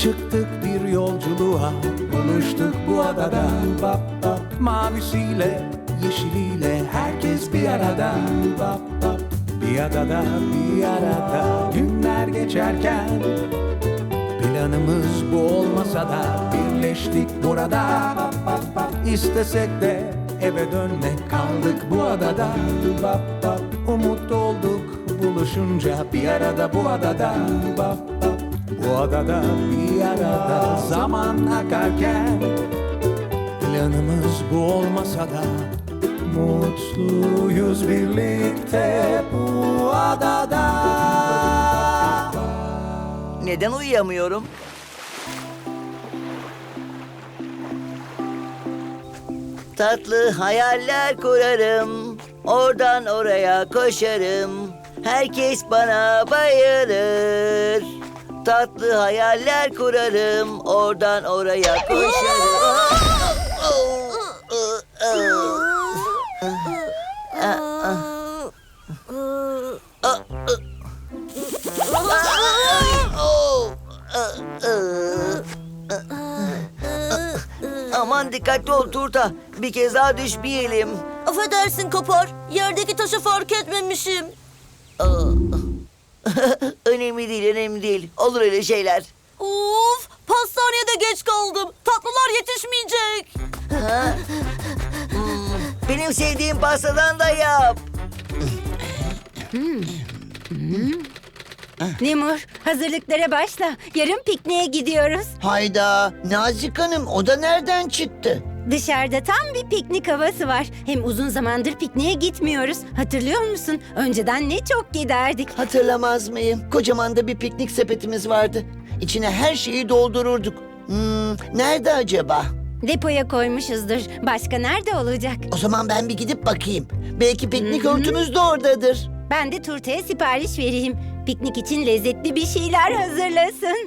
Çıktık bir yolculuğa, buluştuk bu adada. Bap bap, mavisiyle, yeşiliyle herkes bir arada. Bap bap, bir adada, bir arada. Günler geçerken planımız bu olmasa da birleştik burada. Bap bap bap, istesek de eve dönmek, kaldık bu adada. Bap bap, umut olduk buluşunca bir arada bu adada. Bap bap, bu adada bir arada. Zaman akarken planımız bu olmasa da mutluyuz birlikte bu adada. Neden uyuyamıyorum? Tatlı hayaller kurarım, oradan oraya koşarım. Herkes bana bayılır. Tatlı hayaller kurarım, oradan oraya koşarım. Aman dikkatli ol Turta. Bir kez daha düşmeyelim. Affedersin Kopar. Yerdeki taşı fark etmemişim. Önemli değil, önemli değil. Olur öyle şeyler. Of! Pastaneye de geç kaldım. Tatlılar yetişmeyecek. Benim sevdiğim pastadan da yap. Lemur, hazırlıklara başla. Yarın pikniğe gidiyoruz. Hayda, Nazik Hanım o da nereden çıktı? Dışarıda tam bir piknik havası var. Hem uzun zamandır pikniğe gitmiyoruz. Hatırlıyor musun? Önceden ne çok giderdik. Hatırlamaz mıyım? Kocaman da bir piknik sepetimiz vardı. İçine her şeyi doldururduk. Nerede acaba? Depoya koymuşuzdur. Başka nerede olacak? O zaman ben bir gidip bakayım. Belki piknik örtümüz de oradadır. Ben de Turta'ya sipariş vereyim. Piknik için lezzetli bir şeyler hazırlasın.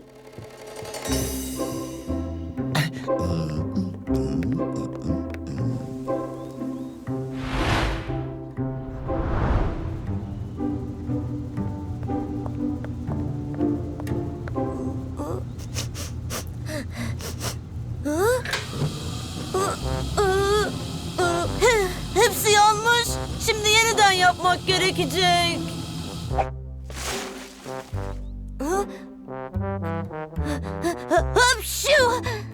Hepsi yanmış. Şimdi yeniden yapmak gerekecek. Hapşu!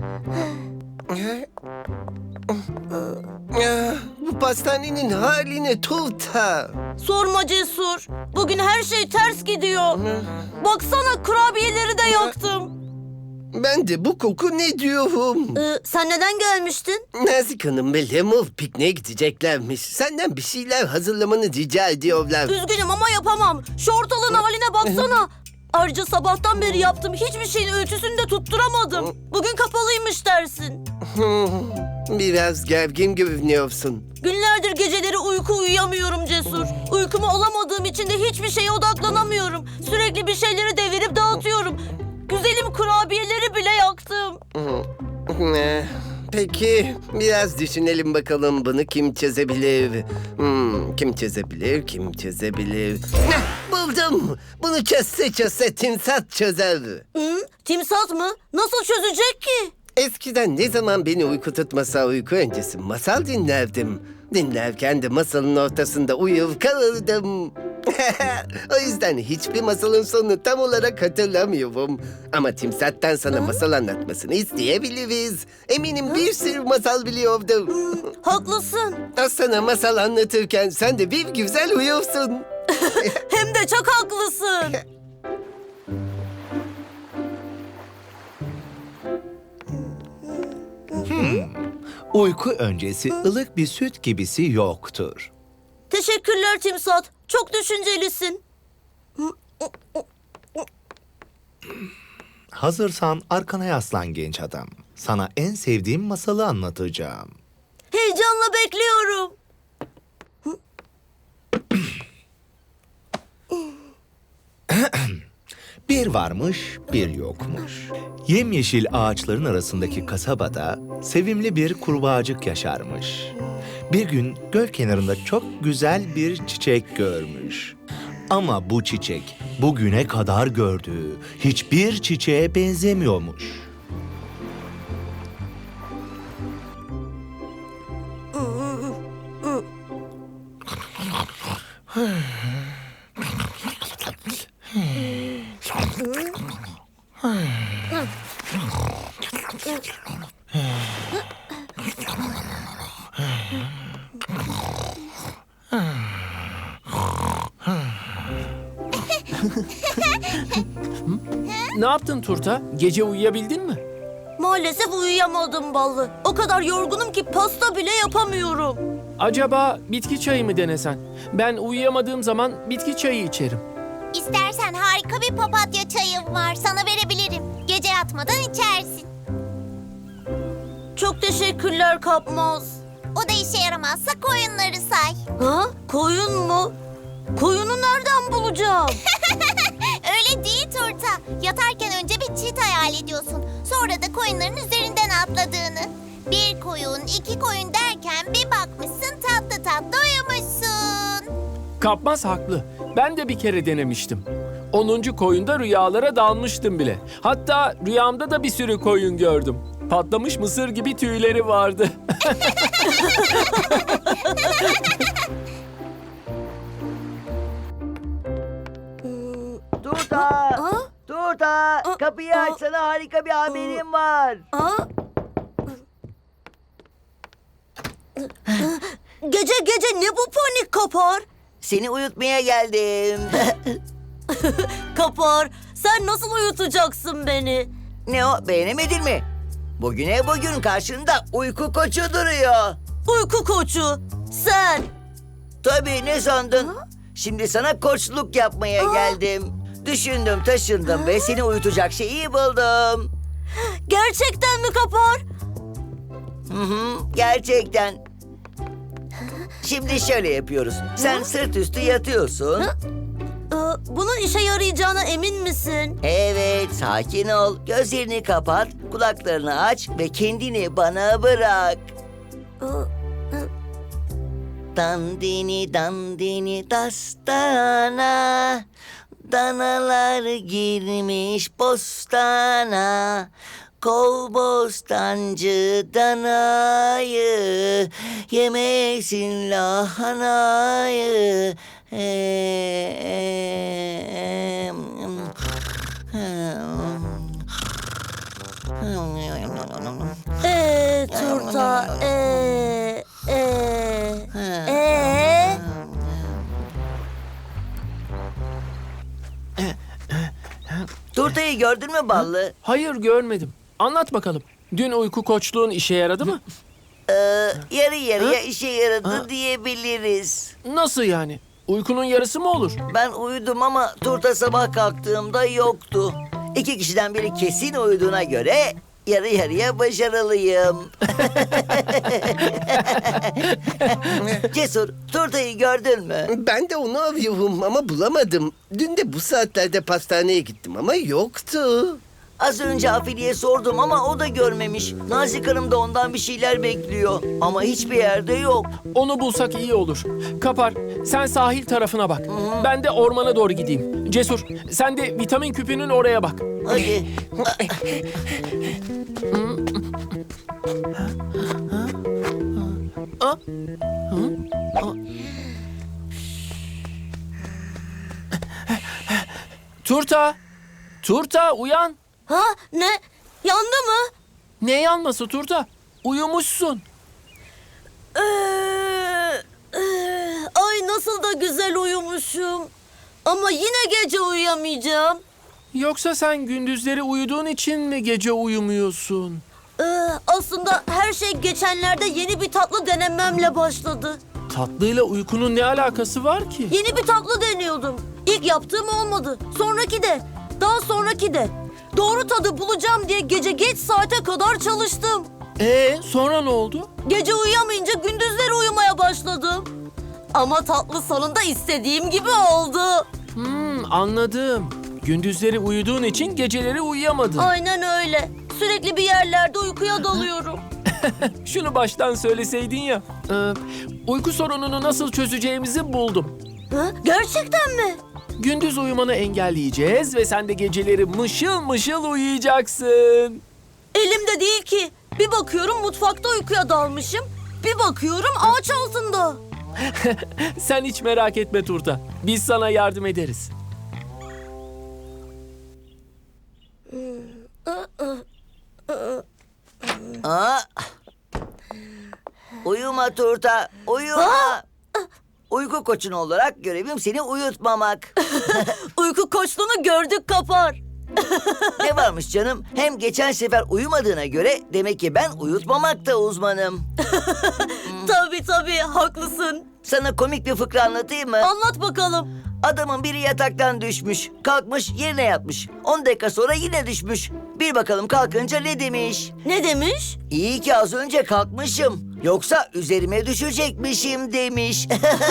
Bu pastanenin haline Turta. Sorma Cesur. Bugün her şey ters gidiyor. Baksana kurabiyeleri de yaktım. Ben de bu koku ne diyorum? Sen neden gelmiştin? Nazik Hanım ve Lemur pikniğe gideceklermiş. Senden bir şeyler hazırlamanı rica ediyorlar. Üzgünüm ama yapamam. Şu ortalığın haline baksana. Ayrıca sabahtan beri yaptım. Hiçbir şeyin ölçüsünü de tutturamadım. Bugün kapalıymış dersin. Biraz gergin görünüyorsun. Günlerdir geceleri uyuyamıyorum Cesur. Uykumu alamadığım için de hiçbir şeye odaklanamıyorum. Sürekli bir şeyleri devirip dağıtıyorum. Güzelim kurabiyeleri bile yaktım. Peki biraz düşünelim bakalım bunu kim çözebilir? Kim çözebilir, kim çözebilir? Buldum! Bunu çözse timsah çözer. Timsah mı? Nasıl çözecek ki? Eskiden ne zaman beni uyku tutmasa uyku öncesi masal dinlerdim. Dinlerken de masalın ortasında uyur kalırdım. O yüzden hiçbir masalın sonunu tam olarak hatırlamıyorum. Ama Timsah'tan sana masal anlatmasını isteyebiliriz. Eminim bir sürü masal biliyordur. Haklısın. O sana masal anlatırken sen de bir güzel uyursun. Hem de çok haklısın. Uyku öncesi ılık bir süt gibisi yoktur. Teşekkürler Timsah. Çok düşüncelisin. Hazırsan arkana yaslan genç adam. Sana en sevdiğim masalı anlatacağım. Heyecanla bekliyorum. Bir varmış, bir yokmuş. Yemyeşil ağaçların arasındaki kasabada sevimli bir kurbağacık yaşarmış. Bir gün göl kenarında çok güzel bir çiçek görmüş. Ama bu çiçek bugüne kadar gördüğü hiçbir çiçeğe benzemiyormuş. Ne yaptın Turta? Gece uyuyabildin mi? Maalesef uyuyamadım Ballı. O kadar yorgunum ki pasta bile yapamıyorum. Acaba bitki çayı mı denesen? Ben uyuyamadığım zaman bitki çayı içerim. İstersen harika bir papatya çayım var. Sana verebilirim. Gece yatmadan içersin. Çok teşekkürler Kapmaz. O da işe yaramazsa koyunları say. Ha? Koyun mu? Koyunu nereden bulacağım? Öyle değil Turta. Yatarken önce bir çit hayal ediyorsun. Sonra da koyunların üzerinden atladığını. Bir koyun, iki koyun derken bir bakmışsın tatlı tatlı uyumuşsun. Kapmaz haklı. Ben de bir kere denemiştim. 10. koyunda rüyalara dalmıştım bile. Hatta rüyamda da bir sürü koyun gördüm. Patlamış mısır gibi tüyleri vardı. Turta! Turta! Kapıyı aç, sana harika bir haberim var. Gece gece ne bu panik Kapar? Seni uyutmaya geldim. Kapar, sen nasıl uyutacaksın beni? Ne o, beğenemedin mi? Bugün karşında uyku koçu duruyor. Uyku koçu, sen. Tabii, ne sandın? Şimdi sana koçluk yapmaya geldim. Düşündüm taşındım ve seni uyutacak şeyi buldum. Gerçekten mi Kapar? Gerçekten. Şimdi şöyle yapıyoruz. Sen sırt üstü yatıyorsun. Bunun işe yarayacağına emin misin? Evet, sakin ol. Gözlerini kapat, kulaklarını aç ve kendini bana bırak. Dandini dandini dastana, danalar girmiş bostana. Kol bostancı danayı, yemesin lahanayı. Turta, Turtayı gördün mü Ballı? Hayır görmedim. Anlat bakalım. Dün uyku koçluğun işe yaradı mı? Yarı yarıya işe yaradı diyebiliriz. Nasıl yani? Uykunun yarısı mı olur? Ben uyudum ama Turta sabah kalktığımda yoktu. 2 kişiden biri kesin uyuduğuna göre yarı yarıya başarılıyım. Cesur, Turta'yı gördün mü? Ben de onu arıyorum ama bulamadım. Dün de bu saatlerde pastaneye gittim ama yoktu. Az önce Afili'ye sordum ama o da görmemiş. Nazik Hanım da ondan bir şeyler bekliyor. Ama hiçbir yerde yok. Onu bulsak iyi olur. Kapar, sen sahil tarafına bak. Ben de ormana doğru gideyim. Cesur, sen de vitamin küpünün oraya bak. Hadi. Turta! Turta uyan! Ha? Ne? Yandı mı? Ne yanması Turta? Uyumuşsun. Ay nasıl da güzel uyumuşum. Ama yine gece uyuyamayacağım. Yoksa sen gündüzleri uyuduğun için mi gece uyumuyorsun? Aslında her şey geçenlerde yeni bir tatlı denememle başladı. Tatlıyla uykunun ne alakası var ki? Yeni bir tatlı deniyordum. İlk yaptığım olmadı. Sonraki de. Daha sonraki de. Doğru tadı bulacağım diye gece geç saate kadar çalıştım. Sonra ne oldu? Gece uyuyamayınca gündüzleri uyumaya başladım. Ama tatlı sonunda istediğim gibi oldu. Anladım. Gündüzleri uyuduğun için geceleri uyuyamadın. Aynen öyle. Sürekli bir yerlerde uykuya dalıyorum. Şunu baştan söyleseydin ya. Uyku sorununu nasıl çözeceğimizi buldum. Ha? Gerçekten mi? Gündüz uyumanı engelleyeceğiz ve sen de geceleri mışıl mışıl uyuyacaksın. Elimde değil ki. Bir bakıyorum mutfakta uykuya dalmışım. Bir bakıyorum ağaç altında. Sen hiç merak etme Turta. Biz sana yardım ederiz. Aa. Uyuma Turta, uyuma. Uyku koçun olarak görevim seni uyutmamak. Uyku koçluğunu gördük Kapar. Ne varmış canım? Hem geçen sefer uyumadığına göre demek ki ben uyutmamakta uzmanım. Tabii haklısın. Sana komik bir fıkra anlatayım mı? Anlat bakalım. Adamın biri yataktan düşmüş. Kalkmış yerine yatmış. 10 dakika sonra yine düşmüş. Bir bakalım kalkınca ne demiş? Ne demiş? İyi ki az önce kalkmışım. Yoksa üzerime düşecekmişim demiş.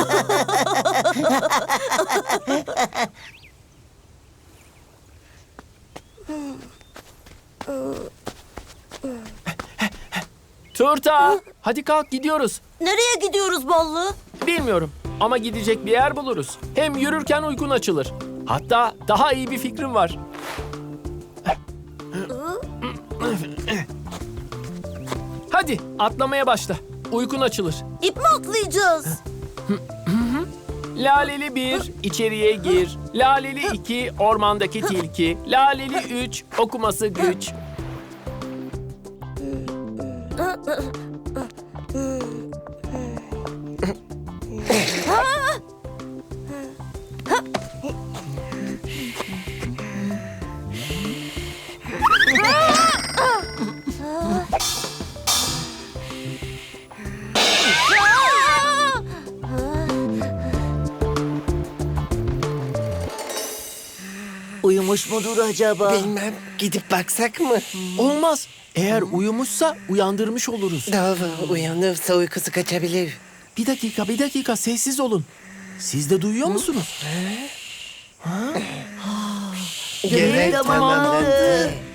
Turta, hadi kalk gidiyoruz. Nereye gidiyoruz Ballı? Bilmiyorum ama gidecek bir yer buluruz. Hem yürürken uykun açılır. Hatta daha iyi bir fikrim var. Hadi atlamaya başla. Uykun açılır. İp mi atlayacağız? Laleli 1, içeriye gir. Laleli 2, ormandaki tilki. Laleli 3, okuması güç. Uyumuş mudur acaba? Bilmem. Gidip baksak mı? Olmaz. Eğer uyumuşsa uyandırmış oluruz. Doğru. Uyanırsa uykusu kaçabilir. Bir dakika sessiz olun. Siz de duyuyor musunuz? Görev tamamlandı.